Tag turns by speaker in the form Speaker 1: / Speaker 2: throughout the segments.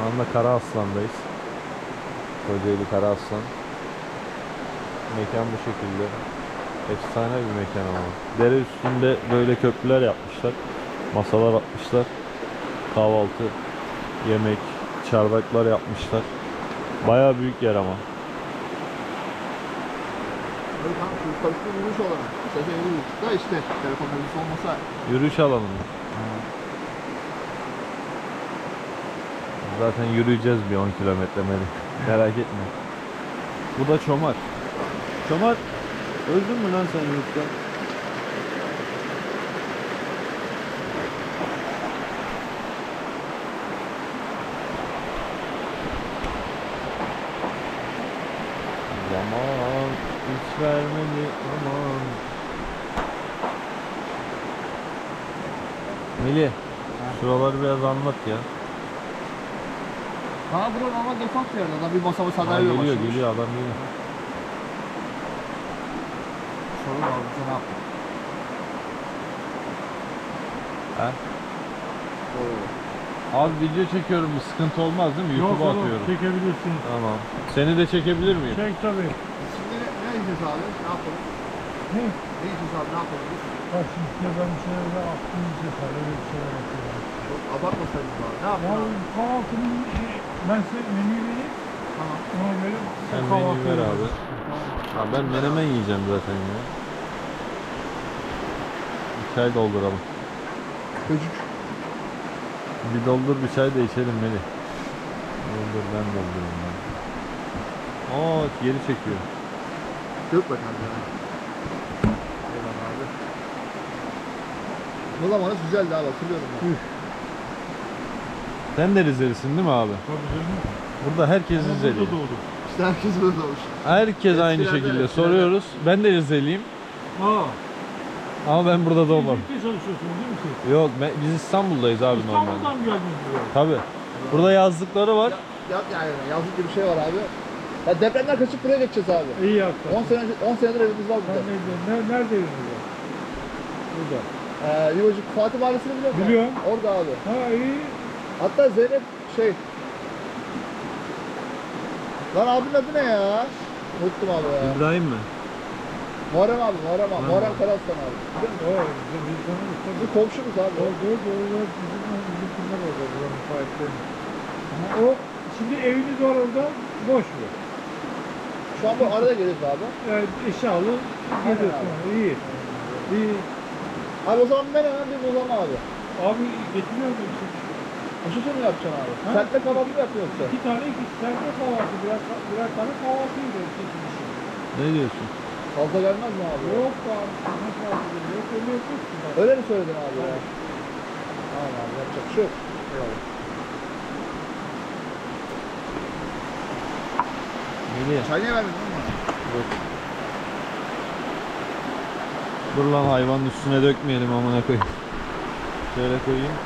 Speaker 1: anda Karaaslan'dayız. Kocaeli Karaaslan. Mekan bu şekilde. Efsane bir mekan ama. Dere üstünde böyle köprüler yapmışlar. Masalar atmışlar. Kahvaltı, yemek, çardaklar yapmışlar. Bayağı büyük yer ama.
Speaker 2: Böyle tam yukarısı yürüyüş olarak. Sefer yürüyüşte işte telefon mevzusu olmasa.
Speaker 1: Yürüyüş alanı mı? Zaten yürüyeceğiz bir 10 kilometre merak etme. Bu da Çomar. Çomar, öldün mü lan sen yurtta? Zaman hiç vermedi aman. Melih, şuraları biraz anlat ya.
Speaker 2: Ha bura normal defans bir yerde. Adam bir masa sandalye
Speaker 1: Geliyor geliyor adam geliyor.
Speaker 2: Sorun var bize ne yaptın?
Speaker 1: He? Abi video çekiyorum, bir sıkıntı olmaz değil mi? YouTube'a atıyorum.
Speaker 3: Çekebilirsiniz.
Speaker 1: Tamam. Seni de çekebilir miyim?
Speaker 3: Çek tabii.
Speaker 2: Şimdi ne yiyeceğiz abi? Ne yapalım?
Speaker 3: Ne?
Speaker 2: Ne yiyeceğiz abi? Ne yapalım biz?
Speaker 3: Bak şimdi size ben bir şeyler aklım sefer öyle bir şeyler yapıyorum.
Speaker 2: Çok abartmasaydınız abi. Ne
Speaker 3: Ya
Speaker 2: yapalım abi?
Speaker 3: kahvaltının ben size menüyü vereyim.
Speaker 2: Tamam.
Speaker 3: Ona göre
Speaker 1: Sen
Speaker 3: kahvaltı
Speaker 1: menüyü ver abi.
Speaker 2: Tamam.
Speaker 1: Ha, ben menemen yiyeceğim zaten ya. Bir çay dolduralım.
Speaker 2: Çocuk.
Speaker 1: Bir doldur bir çay da içelim Melih. Doldur ben doldurayım ben. Aa geri çekiyor.
Speaker 2: Yok bakalım ya. Eyvallah abi. Bu zamanı güzeldi abi hatırlıyorum ben.
Speaker 1: Sen de Rizelisin değil mi abi?
Speaker 3: Tabii canım.
Speaker 1: Burada herkes
Speaker 3: Ama
Speaker 1: Rizeli.
Speaker 3: burada doğdum.
Speaker 2: İşte herkes böyle olmuş.
Speaker 1: Herkes aynı
Speaker 2: Eskilerde,
Speaker 1: şekilde
Speaker 2: eskilerde.
Speaker 1: soruyoruz. Ben de Rizeliyim
Speaker 3: Aa.
Speaker 1: ama ben burada doğmadım.
Speaker 3: Birlikte çalışıyorsunuz değil mi siz?
Speaker 1: Yok biz İstanbul'dayız abi normalde.
Speaker 3: İstanbul'dan mı geldiniz buraya?
Speaker 1: Tabii. Burada yazlıkları var.
Speaker 2: Yani yazlık gibi bir şey var abi. Ya depremden kaçıp buraya geçeceğiz abi.
Speaker 3: İyi yaptın.
Speaker 2: 10 senedir evimiz var
Speaker 3: Sen
Speaker 2: burada.
Speaker 3: nerede eviniz? Burada.
Speaker 2: Yuvacık Fatih Mahallesi'ni biliyor musun?
Speaker 3: Biliyorum.
Speaker 2: Orada abi.
Speaker 3: Ha iyi.
Speaker 2: Hatta Zeynep Lan abinin adı ne ya? Unuttum abi ya.
Speaker 1: İbrahim mi?
Speaker 2: Muharrem abi. Muharrem Karaslan abi. Biliyor musun?
Speaker 3: O biz tanıyoruz tabii.
Speaker 2: Bu komşumuz abi.
Speaker 3: Doğru. Bizim kimler orada buranın sahipleri. Ama o şimdi eviniz var orada boş mu?
Speaker 2: Şu an bu arada geliyoruz abi.
Speaker 3: Yani eşyalı geziyorsun. İyi. İyi.
Speaker 2: Abi o zaman ben hemen bir bulalım abi.
Speaker 3: Abi getiriyor musun?
Speaker 2: Aşısı mı yapacaksın abi?
Speaker 3: Ha?
Speaker 2: Sertle kahvaltı mı yapıyorsun yoksa?
Speaker 3: İki tane sende kahvaltı. Birer tane kahvaltı yiyor.
Speaker 1: Ne diyorsun?
Speaker 2: Fazla gelmez mi abi?
Speaker 3: Yok abi. Ne kahvaltı yok. Öyle yapıyorsun. bak.
Speaker 2: Öyle mi söyledin abi ya? Tamam abi yapacak bir şey yok. Eyvallah.
Speaker 1: Melih.
Speaker 2: Çay niye vermedin ama?
Speaker 1: Dur lan hayvanın üstüne dökmeyelim amına koyayım. Şöyle koyayım.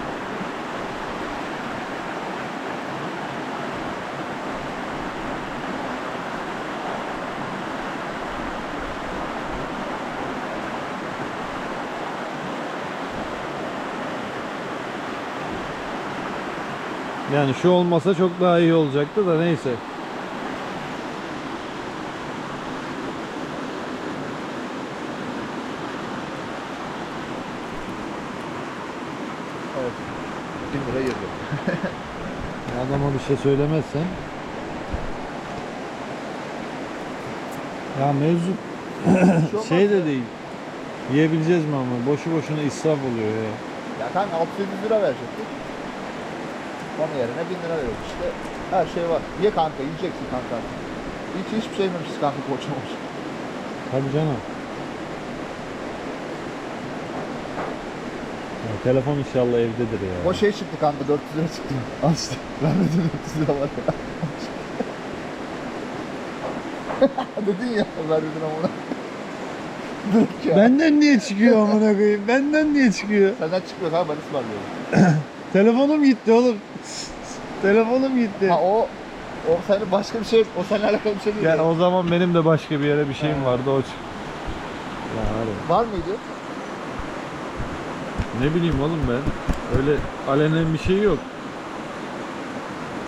Speaker 1: Yani şu olmasa çok daha iyi olacaktı da neyse.
Speaker 2: Evet. 1000 lira girdi.
Speaker 1: Adama bir şey söylemezsen. Ya mevzu şey de değil. Yiyebileceğiz mi ama boşu boşuna israf oluyor ya.
Speaker 2: Ya kanka 600 lira verecektik. Onun yerine 1000 lira veriyoruz işte. Her şey var. Ye kanka, yiyeceksin kanka. Hiçbir şey yememişiz kanka koçmamış.
Speaker 1: Tabii canım. Ya, telefon inşallah evdedir ya.
Speaker 2: O şey çıktı kanka 400 lira çıktı. Al işte. Vermedi 400 lira var ya. Dedin ya vermedin ama. Direkt ya.
Speaker 1: Benden niye çıkıyor amına koyayım? Benden niye çıkıyor?
Speaker 2: Senden çıkmıyor kanka ben ısmarlıyorum.
Speaker 1: Telefonum gitti oğlum. Telefonum gitti.
Speaker 2: Ha o senin başka bir şey, o seninle alakalı bir şey değil.
Speaker 1: Yani
Speaker 2: ya.
Speaker 1: o zaman benim de başka bir yere bir şeyim vardı o çıktı. Ya hadi.
Speaker 2: Var mıydı?
Speaker 1: Ne bileyim oğlum ben. Öyle alenen bir şey yok.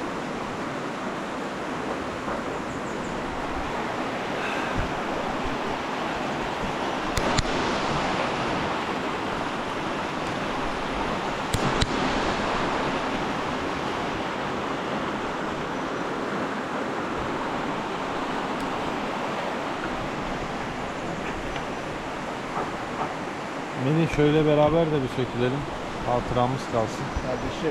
Speaker 1: Melih şöyle beraber de bir sökülelim. Hatıramız kalsın.
Speaker 2: Kardeşim.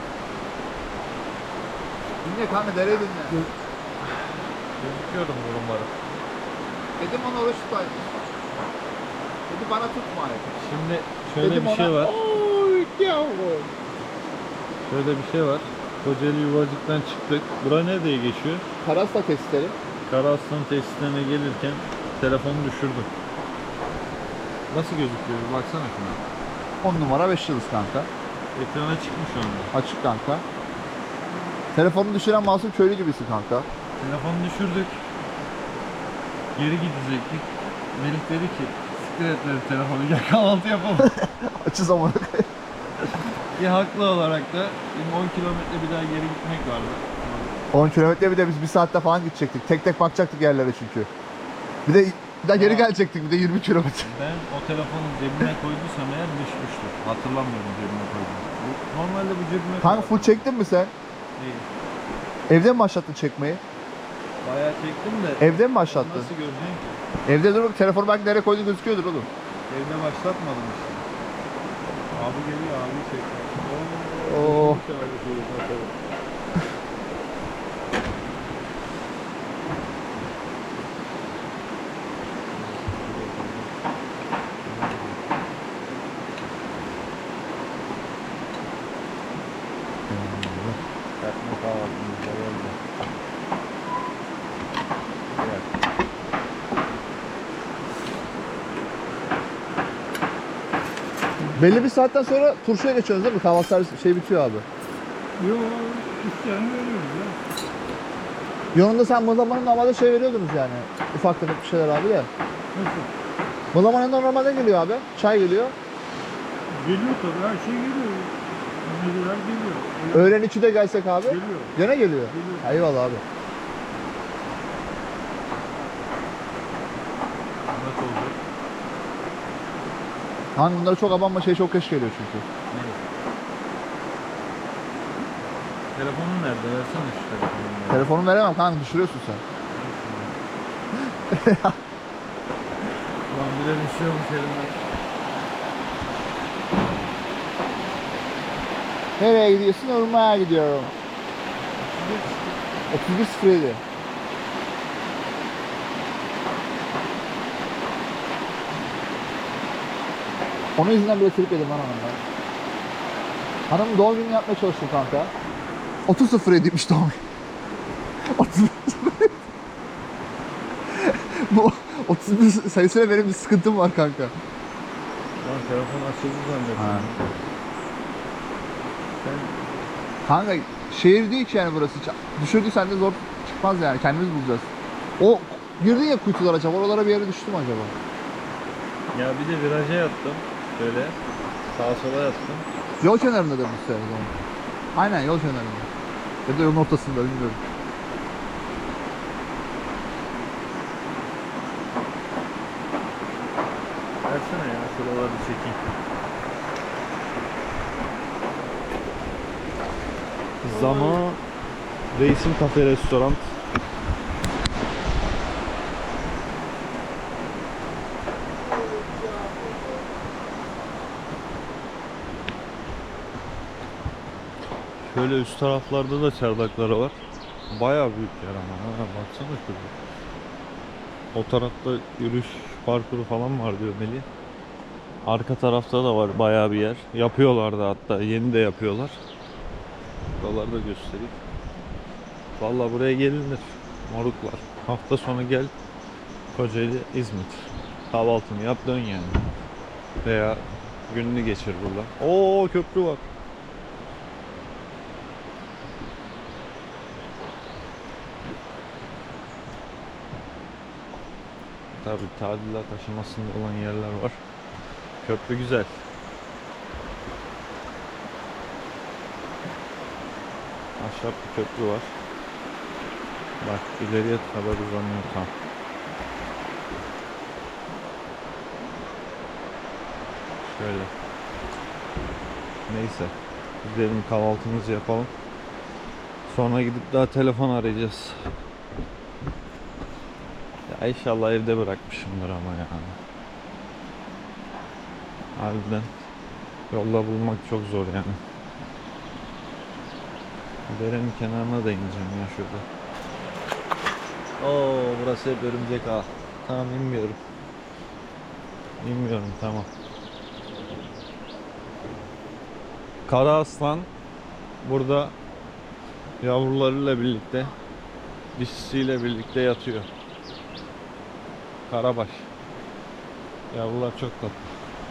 Speaker 2: Dinle kanka, dereyi dinle.
Speaker 1: Gözüküyorum durumları.
Speaker 2: Dedim ona oruç tutayım. Dedi bana tutma ayet.
Speaker 1: Şimdi şöyle
Speaker 2: Dedim
Speaker 1: bir şey
Speaker 2: ona,
Speaker 1: var.
Speaker 2: "Oy yavrum."
Speaker 1: Şöyle bir şey var. Kocaeli Yuvacık'tan çıktık. Bura nereye geçiyor?
Speaker 2: Karasla testleri.
Speaker 1: Karaaslan tesislerine gelirken telefonu düşürdüm. Nasıl gözüküyor? Bir baksana şuna.
Speaker 2: 10 numara 5 yıldız kanka.
Speaker 1: Ekrana çıkmış onda.
Speaker 2: Açık kanka. Telefonu düşüren masum köylü gibisin kanka.
Speaker 1: Telefonu düşürdük. Geri gidecektik. Melih dedi ki siktir et dedi telefonu, gel kahvaltı yapalım.
Speaker 2: Açı zamanı.
Speaker 1: Haklı olarak da 10 kilometre bir daha geri gitmek vardı.
Speaker 2: 10 kilometre, bir de biz 1 saatte falan gidecektik. Tek tek bakacaktık yerlere çünkü. Bir de geri gelecektik, bir de 20 kilometre.
Speaker 1: Ben o telefonu cebime koyduysam eğer düşmüştür. Hatırlamıyorum cebime koyduğumu. Normalde bu cebime
Speaker 2: Kanka
Speaker 1: koyardım.
Speaker 2: full çektin mi sen?
Speaker 1: Değil.
Speaker 2: Evde mi başlattın çekmeyi?
Speaker 1: Bayağı çektim de
Speaker 2: Evde mi başlattın?
Speaker 1: nasıl göreceksin ki?
Speaker 2: Evde dur, telefonu belki nereye koyduğun gözüküyordur oğlum.
Speaker 1: Evde başlatmadım işte. Abi geliyor, abi çekiyor.
Speaker 2: Oo.
Speaker 1: Katma kahvaltımız da geldi. Evet.
Speaker 2: Belli bir saatten sonra turşuya geçiyoruz değil mi? Kahvaltı servisi şey bitiyor abi.
Speaker 3: Yok, üstlerini veriyoruz ya.
Speaker 2: Yanında sen mıhlamanın normalde şey veriyordunuz yani. Ufak tefek bir şeyler abi ya.
Speaker 3: Nasıl?
Speaker 2: Mıhlamanın da normalde geliyor abi. Çay geliyor.
Speaker 3: Geliyor tabii, her şey geliyor. Mezeler geliyor.
Speaker 2: Öğlen 2'de gelsek abi.
Speaker 3: Geliyor.
Speaker 2: Gene geliyor.
Speaker 3: Geliyor.
Speaker 2: Eyvallah abi.
Speaker 1: Nasıl olacak?
Speaker 2: Hani bunları çok abanma, şey çok geç geliyor çünkü.
Speaker 1: Telefonun nerede? Versene şu telefonu.
Speaker 2: Telefonu veremem kanka, düşürüyorsun sen.
Speaker 1: Ulan bir de düşüyormuş elimden.
Speaker 2: Nereye gidiyorsun? Urma'ya gidiyorum. 31.07. Onun yüzünden bile trip yedim lan hanımdan. Hanım doğum günü yapmaya çalıştım kanka. 30.07'ymiş doğum günü. 31.07. Bu 31 sayısıyla benim bir sıkıntım var kanka.
Speaker 1: Lan telefon açıldı zannettim.
Speaker 2: Ha. Kanka şehir değil ki yani burası. Düşürdüysen de zor çıkmaz yani. Kendimiz bulacağız. O girdin ya kuytular acaba. Oralara bir yere düştüm acaba.
Speaker 1: Ya bir de viraja yattım. Şöyle sağa sola yattım.
Speaker 2: Yol kenarında da bu sefer o zaman. Aynen yol kenarında. Ya da yolun ortasında bilmiyorum.
Speaker 1: Versene ya şuraları bir çekeyim. Zama Reisim Kafe Restoran. Şöyle üst taraflarda da çardakları var. Bayağı büyük yer ama. Ha, baksana şuraya. O tarafta yürüyüş parkuru falan var diyor Melih. Arka tarafta da var bayağı bir yer. Yapıyorlar da, hatta yeni de yapıyorlar. Buraları da göstereyim. Vallahi buraya gelinir. Moruklar. Hafta sonu gel. Kocaeli, İzmit. Kahvaltını yap dön yani. Veya gününü geçir burada. Oo, köprü var. Tabii tadilat aşamasında olan yerler var. Köprü güzel. Ahşap bir köprü var. Bak ileriye kadar uzanıyor tam. Şöyle. Neyse. Gidelim kahvaltımızı yapalım. Sonra gidip daha telefon arayacağız. Ya inşallah evde bırakmışımdır ama ya. Harbiden yolda bulmak çok zor yani. Derenin kenarına da ineceğim ya şurada. Oo, burası hep örümcek ağı. Tamam, inmiyorum. İnmiyorum, tamam. Kara aslan burada yavrularıyla birlikte, dişisiyle birlikte yatıyor. Karabaş. Yavrular çok tatlı.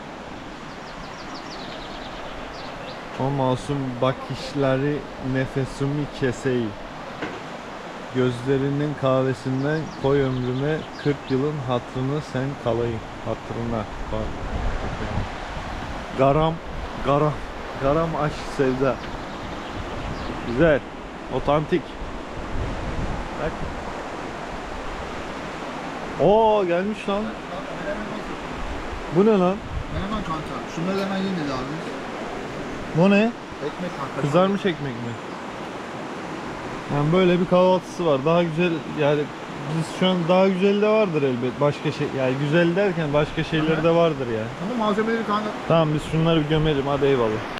Speaker 1: O masum bakışları nefesimi keseyi. Gözlerinin kahvesinden koy ömrüme 40 yılın hatırını sen kalayım. Hatırına. Bak. Garam aşk sevda. Güzel. Otantik. Bak. Oo, gelmiş lan. Bu ne lan?
Speaker 2: Menemen kanka. Şunları hemen yiyin dedi abi.
Speaker 1: Bu ne?
Speaker 2: Ekmek kanka.
Speaker 1: Kızarmış ekmek mi? Yani böyle bir kahvaltısı var. Daha güzel yani, biz şu an daha güzel de vardır elbet. Başka şey yani, güzel derken başka şeyleri de vardır ya.
Speaker 2: Ama malzemeleri kanka.
Speaker 1: Tamam, biz şunları bir gömelim, hadi eyvallah.